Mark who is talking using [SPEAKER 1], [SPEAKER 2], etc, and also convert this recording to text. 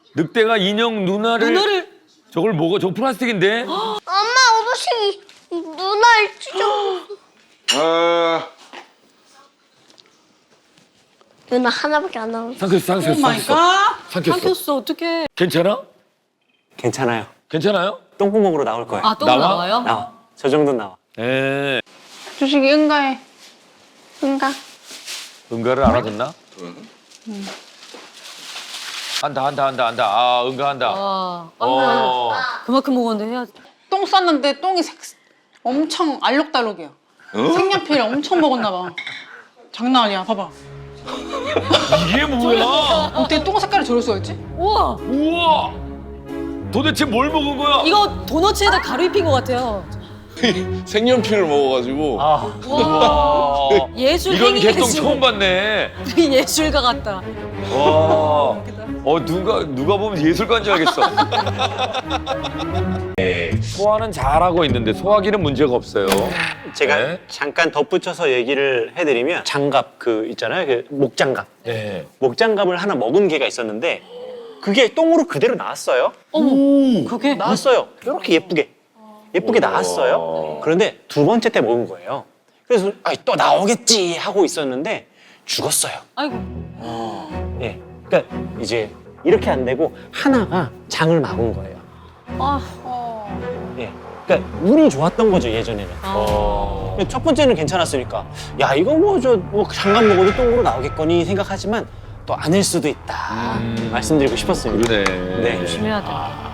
[SPEAKER 1] 늑대가 인형 누나를 저걸 먹어? 저 플라스틱인데?
[SPEAKER 2] 엄마 어르신이 누나를 찢어. 누나 하나밖에 안 나와.
[SPEAKER 1] 삼켰어.
[SPEAKER 3] 삼켰어, 어떡해.
[SPEAKER 1] 괜찮아?
[SPEAKER 4] 괜찮아요.
[SPEAKER 1] 괜찮아요?
[SPEAKER 4] 똥구멍으로 나올 거예요.
[SPEAKER 3] 아, 또
[SPEAKER 1] 나와?
[SPEAKER 3] 나와요?
[SPEAKER 4] 나와. 저 정도는 나와.
[SPEAKER 1] 예.
[SPEAKER 5] 주식이 응가해.
[SPEAKER 2] 응가.
[SPEAKER 1] 응가를 알아듣나? 한다. 아, 응가한다.
[SPEAKER 3] 그만큼 먹었는데 해야지.
[SPEAKER 5] 똥 쌌는데 똥이 엄청 알록달록이야. 색연필 엄청 먹었나 봐. 장난 아니야. 봐봐.
[SPEAKER 1] 이게 뭐야?
[SPEAKER 5] 어떻게 똥 색깔이 저럴 수가 있지?
[SPEAKER 3] 우와,
[SPEAKER 1] 우와! 도대체 뭘 먹은 거야?
[SPEAKER 3] 이거 도너츠에다 가루 입힌 것 같아요.
[SPEAKER 6] 색연필을 먹어가지고
[SPEAKER 4] 아,
[SPEAKER 1] 와.
[SPEAKER 3] 예술
[SPEAKER 1] 이런
[SPEAKER 3] 행위
[SPEAKER 1] 개똥
[SPEAKER 3] 예술.
[SPEAKER 1] 처음 봤네.
[SPEAKER 3] 우리 예술가 같다.
[SPEAKER 1] 와. 누가 보면 예술가인 줄 알겠어. 소화는 잘하고 있는데 소화기는 문제가 없어요.
[SPEAKER 4] 제가
[SPEAKER 1] 네.
[SPEAKER 4] 잠깐 덧붙여서 얘기를 해드리면 장갑 그 있잖아요. 그 목장갑.
[SPEAKER 1] 네.
[SPEAKER 4] 목장갑을 하나 먹은 개가 있었는데 그게 똥으로 그대로 나왔어요.
[SPEAKER 3] 그게
[SPEAKER 4] 나왔어요. 이렇게 예쁘게 나왔어요. 그런데 두 번째 때 먹은 거예요. 그래서 또 나오겠지 하고 있었는데 죽었어요.
[SPEAKER 3] 아이고.
[SPEAKER 4] 예. 그러니까 이제 이렇게 안 되고 하나가 장을 막은 거예요.
[SPEAKER 3] 아,
[SPEAKER 4] 예. 그러니까 운이 좋았던 거죠 예전에는.
[SPEAKER 1] 어.
[SPEAKER 4] 첫 번째는 괜찮았으니까 야 이거 뭐 장갑 먹어도 똥으로 나오겠거니 생각하지만 또 아닐 수도 있다 말씀드리고 싶었습니다.
[SPEAKER 1] 그러네.
[SPEAKER 4] 네.
[SPEAKER 3] 조심해야 돼.